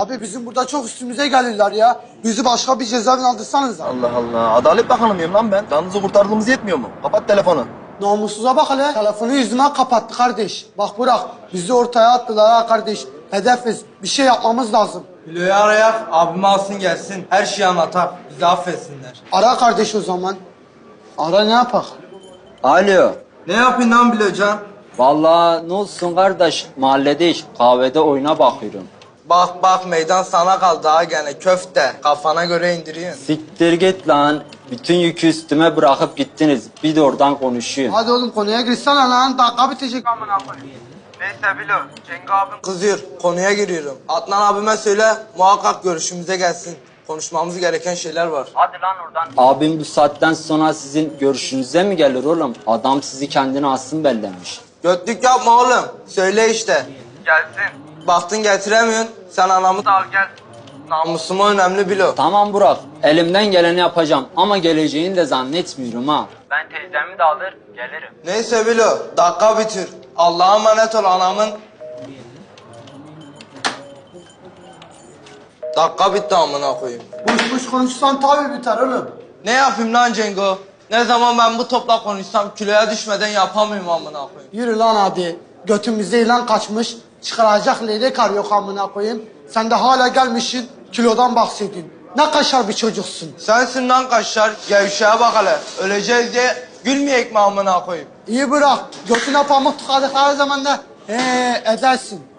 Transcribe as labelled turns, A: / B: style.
A: Abi bizim burada çok üstümüze gelirler ya. Bizi başka bir cezaevine aldırsanız.
B: Allah Allah. Adalet Bakanı mıyım lan ben? Canınızı kurtardığımız yetmiyor mu? Kapat telefonu.
A: Namussuza bak hele. Telefonu yüzüme kapattı kardeş. Bak Burak, bizi ortaya attılar ha kardeş. Hedefiz. Bir şey yapmamız lazım.
C: Bilo'yu arayak, abimi alsın gelsin. Her şeyi anlatar. Bizi affetsinler.
A: Ara kardeş o zaman. Ara ne yapak?
D: Alo.
C: Ne yapayım lan Bilocan?
D: Vallahi ne olsun kardeş, mahalledeyiz. Kahvede oyuna bakıyorum.
C: Bak bak meydan sana kaldı ha gene köfte. Kafana göre indiriyorsun.
D: Siktir git lan. Bütün yükü üstüme bırakıp gittiniz. Bir de oradan konuşuyorum.
A: Hadi oğlum konuya girsene lan. Dakika bitecek amına koyayım.
C: Neyse Bilo, Cengo abim kızıyor. Konuya giriyorum. Adnan abime söyle muhakkak görüşümüze gelsin. Konuşmamız gereken şeyler var.
D: Abim bu saatten sonra sizin görüşünüze mi gelir oğlum? Adam sizi kendine asın bellemiş.
C: Götlük yapma oğlum. Söyle işte. Gelsin. Baktın getiremiyorsun. Sen anamı da al gel. Namusuma önemli Bilo.
D: Tamam Burak, elimden geleni yapacağım ama geleceğini de zannetmiyorum ha.
E: Ben teyzemi de alır gelirim.
C: Neyse Bilo, dakika bitir. Allah'a emanet ol anamın. Dakika bitti amına koyayım.
A: Boş boş konuşsan tabii biter oğlum.
C: Ne yapayım lan Cengo? Ne zaman ben bu topla konuşsam kiloya düşmeden yapamıyorum amına koyayım.
A: Yürü lan hadi. Götümüzde ilan kaçmış. Çıkaracak leylek arıyor amına koyayım. Sen de hala gelmişsin kilodan bahsediyorsun. Ne kaşar bir çocuksun.
C: Sensin lan kaşlar, gevşeye bak hele. Öleceğiz diye gülmeyek mi amına koyayım?
A: İyi bırak. Götüne pamuk tıkadıkları zaman da edersin.